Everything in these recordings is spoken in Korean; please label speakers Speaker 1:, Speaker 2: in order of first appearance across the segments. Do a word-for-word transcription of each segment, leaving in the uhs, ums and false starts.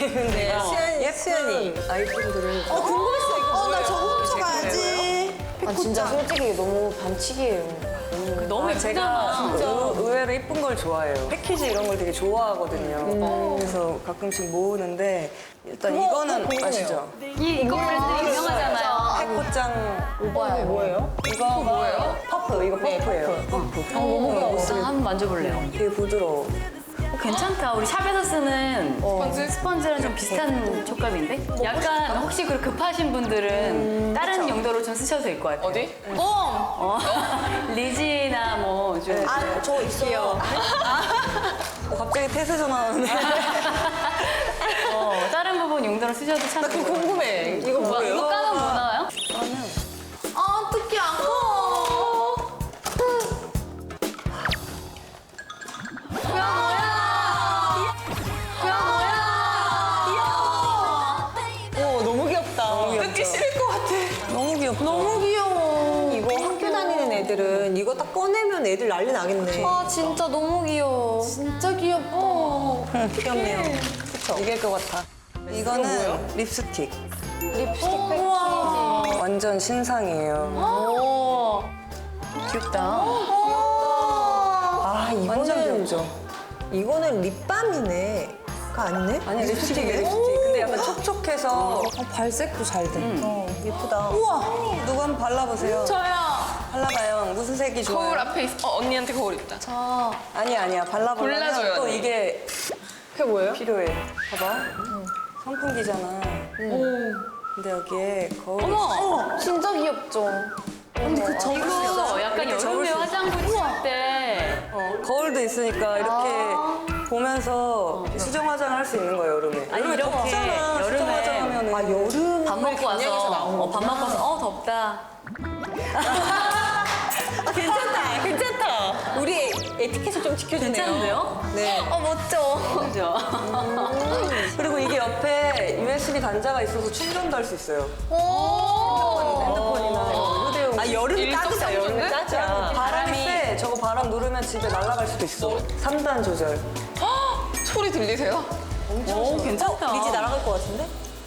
Speaker 1: 근데 수연이, 수연이 아이템들을.
Speaker 2: 어, 궁금했어, 이거.
Speaker 3: 어, 나
Speaker 2: 뭐예요?
Speaker 3: 저거 훔쳐가야지.
Speaker 4: 아, 진짜 솔직히 너무 반칙이에요.
Speaker 1: 너무
Speaker 4: 아, 제가 의- 의외로 예쁜 걸 좋아해요. 패키지 이런 걸 되게 좋아하거든요. 그래서 가끔씩 모으는데 일단 이거는 아시죠?
Speaker 5: 이 이거 브랜드 유명하잖아요.
Speaker 4: 페코짱
Speaker 3: 오빠야, 뭐예요?
Speaker 4: 이거 뭐예요? 퍼프 이거 퍼프예요. 퍼프. 너무
Speaker 5: 아, 한번 만져볼래요.
Speaker 4: 되게 부드러워.
Speaker 5: 어, 괜찮다. 우리 샵에서 쓰는 스펀지? 스펀지랑 좀 비슷한 촉감인데? 약간 혹시 그 급하신 분들은 다른 용도로 좀 쓰셔도 될 것 같아요.
Speaker 2: 어디?
Speaker 5: 어. 리지나 뭐 좀.
Speaker 3: 아, 저 있어요.
Speaker 4: 어, 갑자기 태세 전화 오는데.
Speaker 5: 어, 다른 부분 용도로 쓰셔도 참.
Speaker 2: 나 그거
Speaker 5: 좋을 것
Speaker 2: 궁금해. 이거
Speaker 5: 같아요.
Speaker 2: 뭐예요?
Speaker 5: 이거 까면 뭐 나와요?
Speaker 3: 아, 어떡해, 안 커.
Speaker 2: 어, 너무 귀엽다. 뜯기 싫을 것 같아.
Speaker 4: 너무 귀엽죠?
Speaker 3: 너무 귀여워.
Speaker 1: 이거 학교 다니는 애들은 이거 딱 꺼내면 애들 난리 나겠네.
Speaker 3: 아, 진짜 너무 귀여워. 진짜 귀엽다.
Speaker 1: 귀엽네요.
Speaker 4: 그쵸? 이길 것 같아. 이거는 립스틱.
Speaker 3: 립스틱 패키지.
Speaker 4: 완전 신상이에요.
Speaker 3: 오.
Speaker 5: 귀엽다.
Speaker 1: 아,
Speaker 4: 완전
Speaker 1: 이거는,
Speaker 4: 귀엽죠?
Speaker 1: 이거는 립밤이네. 가 아니네?
Speaker 4: 아니 립스틱이에요, 립스틱. 근데 약간 촉촉해서
Speaker 1: 발색도 잘 돼. 어, 예쁘다.
Speaker 4: 우와! 누구 한번 발라보세요.
Speaker 3: 저요.
Speaker 4: 발라봐요. 무슨 색이 좋아요?
Speaker 2: 거울 앞에 있어. 어, 언니한테 거울 있다.
Speaker 3: 저.
Speaker 4: 아니야, 아니야. 발라보려면
Speaker 2: 골라줘요,
Speaker 4: 또
Speaker 2: 언니.
Speaker 4: 이게
Speaker 1: 그게 뭐예요?
Speaker 4: 필요해. 봐봐. 선풍기잖아. 근데 여기에 거울이
Speaker 3: 어머! 진짜 귀엽죠? 근데 그 저.
Speaker 5: 이거 약간
Speaker 4: 이렇게
Speaker 5: 여름에
Speaker 4: 접을 수 있어.
Speaker 5: 화장품 칠때
Speaker 4: 어, 거울도 있으니까 이렇게 보면서 수정 화장을 할 수 있는 거예요, 여름에.
Speaker 5: 아니,
Speaker 4: 여름에
Speaker 5: 이렇게
Speaker 4: 덥잖아.
Speaker 5: 여름에
Speaker 4: 수정 화장하면.
Speaker 1: 아, 여름.
Speaker 5: 밥 먹고 와서 어, 밥 먹고 와서 어 덥다.
Speaker 1: 아, 괜찮다, 괜찮다. 우리 에티켓을 좀 지켜주네요.
Speaker 5: 괜찮은데요?
Speaker 1: 네.
Speaker 3: 어, 멋져.
Speaker 5: 그죠?
Speaker 4: 그리고 이게 옆에 유에스비 단자가 있어서 충전도 할 수 있어요.
Speaker 3: 오.
Speaker 4: 핸드폰이나 휴대용.
Speaker 1: 아, 여름 따뜻해, 여름
Speaker 2: 일석삼조인데?
Speaker 1: 따뜻해.
Speaker 4: 바람이 세. 저거 바람 누르면 집에 날아갈 수도 있어. 삼 단 조절.
Speaker 2: 헉, 소리 들리세요?
Speaker 5: 오 괜찮다.
Speaker 1: 리지 날아갈 것 같은데?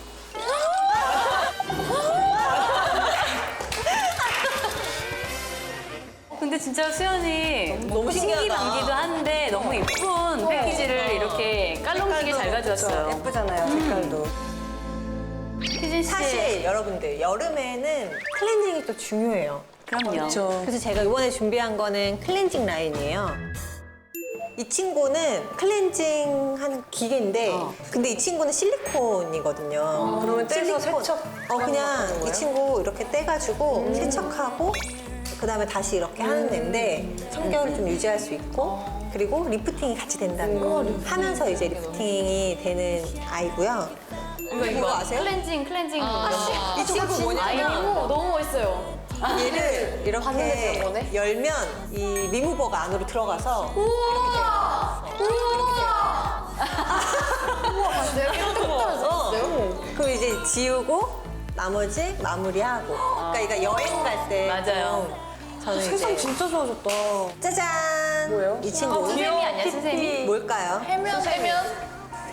Speaker 5: 근데 진짜 수연이
Speaker 1: 너무 신기하다.
Speaker 5: 신기방기도 한데 너무 예쁜 패키지를 이렇게 깔롱지게 잘 가져왔어요.
Speaker 4: 예쁘잖아요, 색깔도.
Speaker 5: 희진 씨.
Speaker 1: 사실 여러분들 여름에는 클렌징이 또 중요해요.
Speaker 5: 그럼요.
Speaker 4: 그렇죠.
Speaker 1: 그래서 제가 이번에 준비한 거는 클렌징 라인이에요. 이 친구는 클렌징 하는 기계인데
Speaker 5: 어.
Speaker 1: 근데 이 친구는 실리콘이거든요.
Speaker 4: 그러면 떼서 세척
Speaker 1: 어
Speaker 4: 하는
Speaker 1: 그냥
Speaker 4: 거예요?
Speaker 1: 이 친구 이렇게 떼가지고 세척하고 그다음에 다시 이렇게 하는 데인데 청결을 좀 유지할 수 있고 그리고 리프팅이 같이 된다는 거 하면서 이제 리프팅이 되는 아이고요.
Speaker 5: 이거
Speaker 1: 이거 아세요?
Speaker 5: 클렌징 클렌징.
Speaker 1: 이 친구 뭐냐면
Speaker 5: 아이디어.
Speaker 3: 너무 멋있어요.
Speaker 1: 얘를 이렇게
Speaker 3: 봤는데 저번에?
Speaker 1: 열면 이 리무버가 안으로 들어가서
Speaker 3: 우와! 우와! 내가 이렇게 떨어졌어요?
Speaker 1: 그럼 이제 지우고 나머지 마무리하고. 그러니까 이거 여행 갈 때.
Speaker 5: 맞아요.
Speaker 1: 저는
Speaker 4: 세상
Speaker 1: 이제
Speaker 4: 진짜 좋아졌다.
Speaker 1: 짜잔.
Speaker 4: 뭐예요?
Speaker 1: 이 친구
Speaker 5: 선생님이 아니야 선생님.
Speaker 1: 뭘까요?
Speaker 3: 해면, 해면.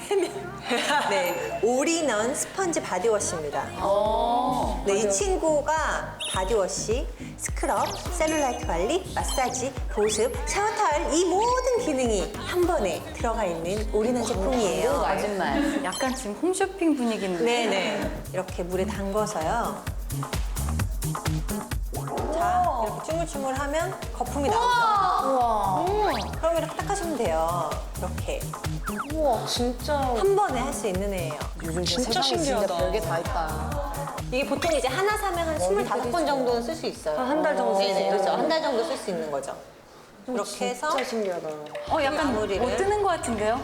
Speaker 1: 네, 올인원 스펀지 바디워시입니다. 네, 이 친구가 바디워시, 스크럽, 셀룰라이트 관리, 마사지, 보습, 샤워타월 이 모든 기능이 한 번에 들어가 있는 올인원 제품이에요.
Speaker 5: 거짓말. 약간 지금 홈쇼핑 분위기인데.
Speaker 1: 네네. 이렇게 물에 담궈서요. 자, 이렇게 쭈물쭈물하면 거품이 나오죠.
Speaker 3: 우와.
Speaker 1: 그럼 이렇게 닦아주면 돼요. 이렇게.
Speaker 3: 우와, 진짜.
Speaker 1: 한 번에 할 수 있는 애예요.
Speaker 4: 요즘 진짜 신기하다.
Speaker 3: 별게 다 있다.
Speaker 1: 이게 보통 이제 하나 사면 한 스물다섯 번 정도는 쓸 수 있어요.
Speaker 4: 한 달 정도 쓸수
Speaker 1: 네네,
Speaker 4: 있어요?
Speaker 1: 그렇죠. 한 달 정도 쓸 수 있는 거죠. 이렇게 해서
Speaker 4: 진짜 신기하다.
Speaker 5: 어 약간 못
Speaker 1: 마무리를.
Speaker 5: 뜨는 것 같은데요?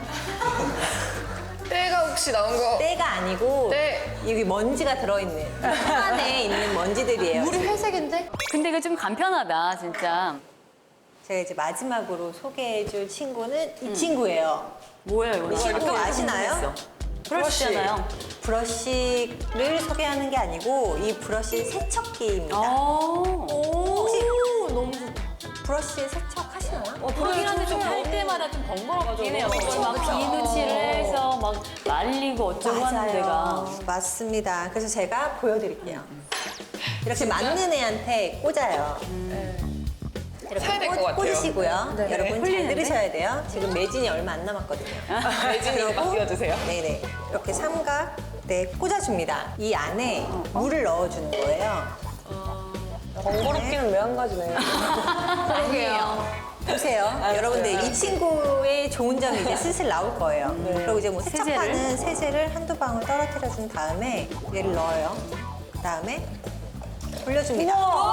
Speaker 2: 때가 혹시 나온 거?
Speaker 1: 때가 아니고
Speaker 2: 네.
Speaker 1: 여기 먼지가 들어있는 그 안에 있는 먼지들이에요.
Speaker 3: 물이 회색인데?
Speaker 5: 근데 이거 좀 간편하다 진짜.
Speaker 1: 제가 이제 마지막으로 소개해줄 친구는 이 친구예요.
Speaker 5: 뭐예요 이거?
Speaker 1: 친구 아시나요?
Speaker 5: 브러쉬잖아요.
Speaker 1: 브러쉬를 소개하는 게 아니고 이 브러쉬 세척기입니다.
Speaker 5: 오.
Speaker 1: 혹시
Speaker 3: 너무 좋다.
Speaker 1: 브러쉬 세척 하시나요?
Speaker 5: 어, 그러긴 한데 좀 할 때마다 좀 번거롭긴 해요. 막 비누칠을 해서 막 막 말리고 어쩌고 하는 데가.
Speaker 1: 맞습니다. 그래서 제가 보여드릴게요. 이렇게 맞는 애한테 꽂아요. 이렇게
Speaker 2: 사야 될것
Speaker 1: 꽂-
Speaker 2: 같아요.
Speaker 1: 꽂으시고요. 여러분 잘
Speaker 5: 풀리는데?
Speaker 1: 들으셔야 돼요. 지금 매진이 얼마 안 남았거든요.
Speaker 2: 매진이 맡겨주세요.
Speaker 1: 네네. 이렇게 삼각 네 꽂아줍니다. 이 안에 물을 넣어주는 거예요.
Speaker 4: 번거롭기는 매한가지네요.
Speaker 5: 아니에요.
Speaker 1: 보세요. 여러분들 이 친구의 좋은 점이 이제 슬슬 나올 거예요. 그리고 이제 뭐 세척하는 세제를 한두 방울 떨어뜨려 준 다음에 얘를 넣어요. 그 다음에 돌려줍니다.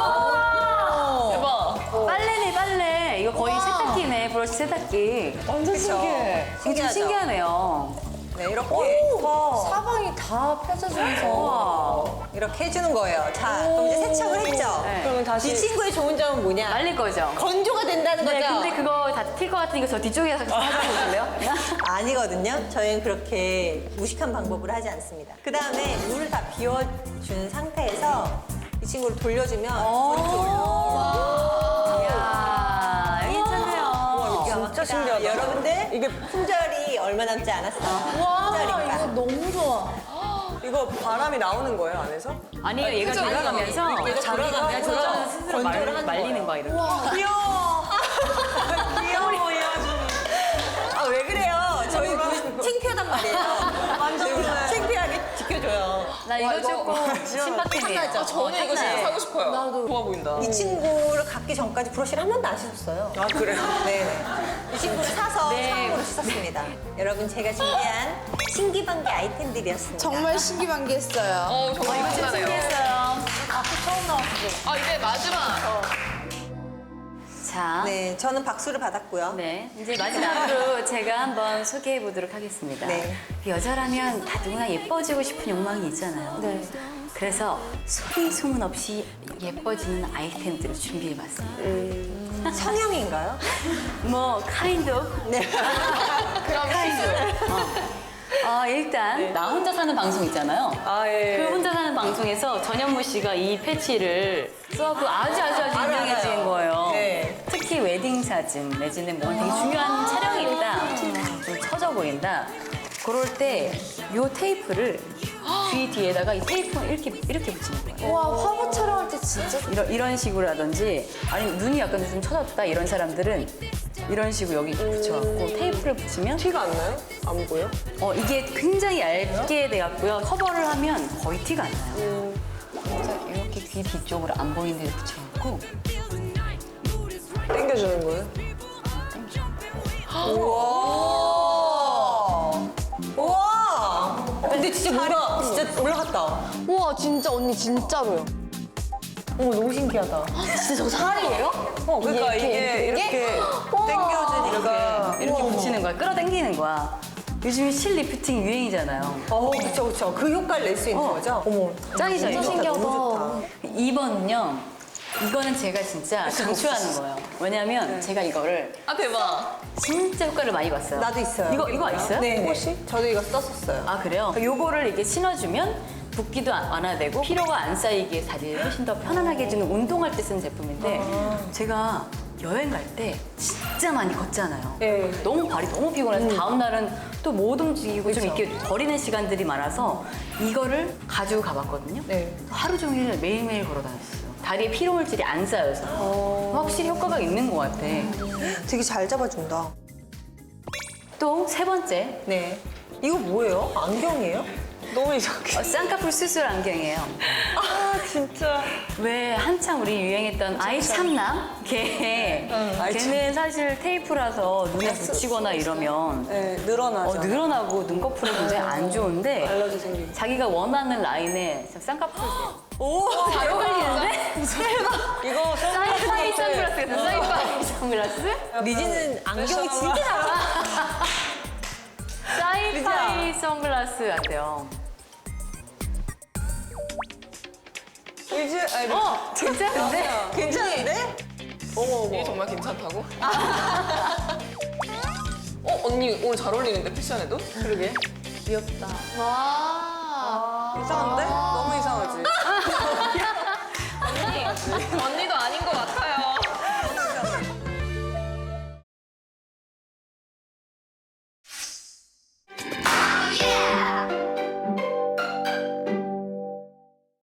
Speaker 5: 대박. 빨래네, 빨래. 이거 거의 세탁기네, 브러쉬 세탁기.
Speaker 2: 완전 신기해.
Speaker 5: 이거 좀
Speaker 1: 신기하죠?
Speaker 5: 신기하네요.
Speaker 1: 네, 이렇게
Speaker 3: 사방이 다 펼쳐지면서.
Speaker 5: 와.
Speaker 1: 이렇게 해주는 거예요. 자, 그럼 이제 세척을 했죠?
Speaker 5: 네.
Speaker 4: 그러면 다시
Speaker 1: 이 친구의 좋은 점은 뭐냐?
Speaker 5: 말릴 거죠?
Speaker 1: 건조가 된다는
Speaker 5: 네,
Speaker 1: 거죠?
Speaker 5: 근데 그거 다 튈 것 같으니까 저 뒤쪽에 가서 하자고 보실래요?
Speaker 1: 아니거든요. 저희는 그렇게 무식한 방법을 하지 않습니다. 그 다음에 물을 다 비워준 상태에서 이 친구를 돌려주면 건조 올라와요.
Speaker 5: 이야, 괜찮네요.
Speaker 1: 진짜 신기하다. 여러분들 이게 품절이 얼마 남지 않았어요.
Speaker 3: 와, 이거
Speaker 1: 품절이니까.
Speaker 3: 너무 좋아.
Speaker 4: 이거 바람이 나오는 거예요, 안에서?
Speaker 5: 아니에요, 얘가
Speaker 2: 그죠?
Speaker 5: 돌아가면서
Speaker 1: 얘가
Speaker 5: 자기가
Speaker 1: 돌아가면서
Speaker 5: 돌아가면서 스스로
Speaker 1: 건조를
Speaker 5: 말,
Speaker 1: 하는
Speaker 5: 말리는 거야, 이렇게.
Speaker 4: 귀여워. 귀여워, 이 아줌.
Speaker 1: 아, 왜 그래요? 저희 우리 창피하단 말이에요.
Speaker 4: 완전 그래.
Speaker 1: 창피하게 지켜줘요.
Speaker 5: 나 이거 조금 신박해요.
Speaker 2: 아, 저는 이거 진짜 사고 싶어요.
Speaker 3: 나도.
Speaker 2: 좋아 보인다.
Speaker 1: 이 친구를 갖기 전까지 브러쉬를 한 번도 안 씻었어요.
Speaker 4: 아, 그래요?
Speaker 1: 네네. 이 친구를 사서
Speaker 5: 네.
Speaker 1: 처음으로 씻었습니다. 여러분, 제가 준비한 신기반기 아이템들이었습니다.
Speaker 3: 정말 신기반기했어요.
Speaker 2: 어, 정말
Speaker 5: 이거 좀
Speaker 2: 신기하네요.
Speaker 5: 신기했어요.
Speaker 3: 처음 나왔어.
Speaker 2: 아, 이제 마지막.
Speaker 5: 자, 네.
Speaker 1: 네, 저는 박수를 받았고요.
Speaker 5: 이제 마지막으로 제가 한번 소개해 보도록 하겠습니다.
Speaker 1: 네.
Speaker 5: 여자라면 다 누구나 예뻐지고 싶은 욕망이 있잖아요.
Speaker 3: 네.
Speaker 5: 그래서 소리 소문 없이 예뻐지는 아이템들을 준비해 봤습니다.
Speaker 1: 성형인가요?
Speaker 5: 뭐 kind of.
Speaker 1: 네.
Speaker 2: 그럼
Speaker 5: 아, 일단 나 혼자 사는 방송 있잖아요.
Speaker 4: 아, 예.
Speaker 5: 그 혼자 사는 방송에서 전현무 씨가 이 패치를 써고 아주 아주 아주
Speaker 1: 알아요,
Speaker 5: 유명해진
Speaker 1: 알아요.
Speaker 5: 거예요.
Speaker 1: 네.
Speaker 5: 특히 웨딩 사진 내지는 뭐 되게 중요한 촬영이 있다. 좀 처져 보인다. 그럴 때 이 테이프를 귀 뒤에다가 이 테이프를 이렇게 이렇게 붙이는 거예요.
Speaker 3: 와, 화보 촬영할 때 진짜
Speaker 5: 이런 이런 식으로 라든지 아니면 눈이 약간 좀 처졌다 이런 사람들은 이런 식으로 여기 붙여갖고 테이프를 붙이면
Speaker 4: 티가 안 나요? 안 보여?
Speaker 5: 어, 이게 굉장히 얇게 돼갖고요. 커버를 하면 거의 티가 안 나요. 그래서 이렇게 귀 뒤쪽으로 안 보이는 데 붙여갖고
Speaker 4: 당겨주는 거예요?
Speaker 1: 우와! 근데 진짜 뭔가 진짜 올라갔다.
Speaker 3: 우와, 진짜 언니 진짜로요.
Speaker 1: 어머, 너무 신기하다.
Speaker 3: 진짜 저 살이에요?
Speaker 4: 어, 그러니까
Speaker 3: 이게
Speaker 4: 이게
Speaker 3: 이렇게?
Speaker 4: 이렇게
Speaker 3: 우와.
Speaker 4: 당겨주니까.
Speaker 5: 이렇게 붙이는 거야. 끌어당기는 거야. 요즘 실 리프팅 유행이잖아요.
Speaker 1: 어, 그쵸, 그쵸. 그 효과를 낼 수 있는 거죠? 어머.
Speaker 5: 짱이죠,
Speaker 3: 진짜
Speaker 5: 이거?
Speaker 3: 신기하다.
Speaker 1: 너무
Speaker 5: 이 번은요. 이거는 제가 진짜 강추하는 거예요. 왜냐면 제가 이거를
Speaker 2: 아, 대박.
Speaker 5: 진짜 효과를 많이 봤어요.
Speaker 1: 나도 있어요.
Speaker 5: 이거, 이거 있어요?
Speaker 1: 네. 혹시? 저도 이거 썼었어요.
Speaker 5: 아, 그래요? 요거를 이렇게 신어주면 붓기도 안- 완화되고 피로가 안 쌓이게 다리를 훨씬 더 편안하게 해주는 운동할 때 쓰는 제품인데 제가 여행 갈 때 진짜 많이 걷잖아요.
Speaker 1: 네.
Speaker 5: 너무 발이 너무 피곤해서 다음 날은 또 못 움직이고 좀 이렇게 버리는 시간들이 많아서 이거를 가지고 가봤거든요.
Speaker 1: 네.
Speaker 5: 하루 종일 매일매일 걸어 다녔어요. 다리에 피로 물질이 안 쌓여서 확실히 효과가 있는 것 같아.
Speaker 1: 되게 잘 잡아준다.
Speaker 5: 또 세 번째,
Speaker 1: 네. 이거 뭐예요? 안경이에요?
Speaker 4: 너무 이상해.
Speaker 5: 어, 쌍꺼풀 수술 안경이에요.
Speaker 4: 아, 진짜.
Speaker 5: 왜 한창 우리 유행했던 아이 참나? 걔,
Speaker 4: 아이
Speaker 5: 걔는 사실 테이프라서 눈에 붙이거나 이러면
Speaker 4: 네, 늘어나죠.
Speaker 5: 어, 늘어나고 눈꺼풀이 굉장히 안 좋은데
Speaker 4: 알러지 생기고.
Speaker 5: 자기가 원하는 라인에 쌍꺼풀
Speaker 1: 오!
Speaker 5: 잘 어울리는데?
Speaker 4: 이거
Speaker 5: 사이파이 선글라스 같은 사이파이 선글라스?
Speaker 1: 리지는 안경이 진짜 잘 어울려.
Speaker 5: 사이파이 선글라스 같아요.
Speaker 4: 이제 아니,
Speaker 5: 어, 괜찮은데?
Speaker 1: 괜찮은데?
Speaker 2: 이게 정말 괜찮다고? 어, 언니 오늘 잘 어울리는데, 패션에도?
Speaker 5: 그러게.
Speaker 3: 귀엽다. 와.
Speaker 4: 이상한데? 너무 이상하지?
Speaker 2: 언니, 언니도